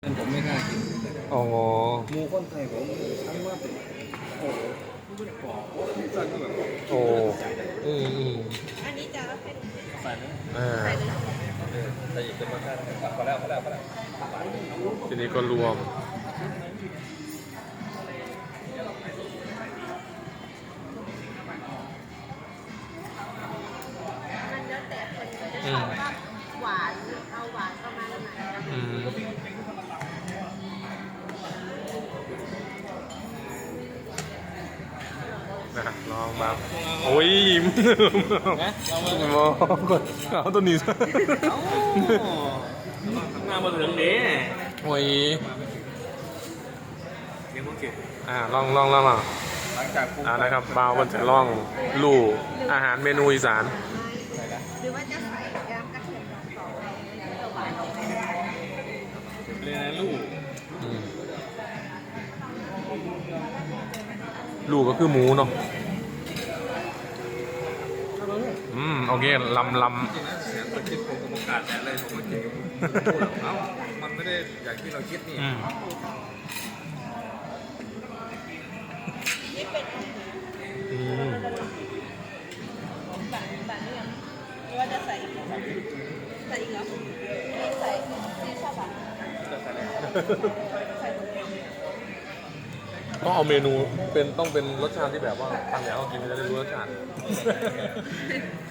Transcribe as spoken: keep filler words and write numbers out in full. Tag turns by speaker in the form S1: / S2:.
S1: ผมไม่กล้ากิน
S2: อ๋อ
S1: หมูข้นไทยผมทั้งว่าเป็นโอ้โหไม่ได้บอกว่าพิซซ่าก็แบบ
S2: โอ้อืมอืม
S3: อันนี้จะเป็น
S1: ใส่เลย
S2: อ่า
S3: ใส่เลย
S1: ใส่อีกเป็นรสชาติพอแล้วพอแล้วพอแล้ว
S2: ทีนี้ก็รวม
S3: มันแล้วแต่คนจะชอบว่าหวานเอาหวานประมาณไหน
S2: อืมนะลองบ้างโอ้ยมองก่อนเอาตัวนี้ซะ
S1: งานมาถึงนี้
S2: โอ้ย
S1: ยังไม่เก็บ
S2: อ่าลองลองลองลอง
S1: หลังจาก
S2: อ่านะครับบ่าวมันจะลองลู่อาหารเมนูอีสาน
S3: หรือว่าจะใส่ยำกระเทียมดองต่อไปแล้วหวานออกไป
S1: เรียนลูก
S2: อืมลู่ก็คือหมูเนาะอืมโอเคลำลำ
S1: จริงนะเสียงตะคิดผมกับโอกาสแต่อะไรผมก็เจ๋งเอ้ามันไม่ได้อย่างที่เราคิดนี่
S2: อืม
S3: นี่เป็น
S2: อืม
S3: บัตรบัตรนี่ยังหรือว่าจะใส่อีกเหรอใส่อีกเหรอไม่ใส่ที่ชอบอ่ะใส่หมดเลย
S2: ต้องเอาเมนูเป็นต้องเป็นรสชาติที่แบบว่าทางไหนเขากินจะได้รู้รสชาติ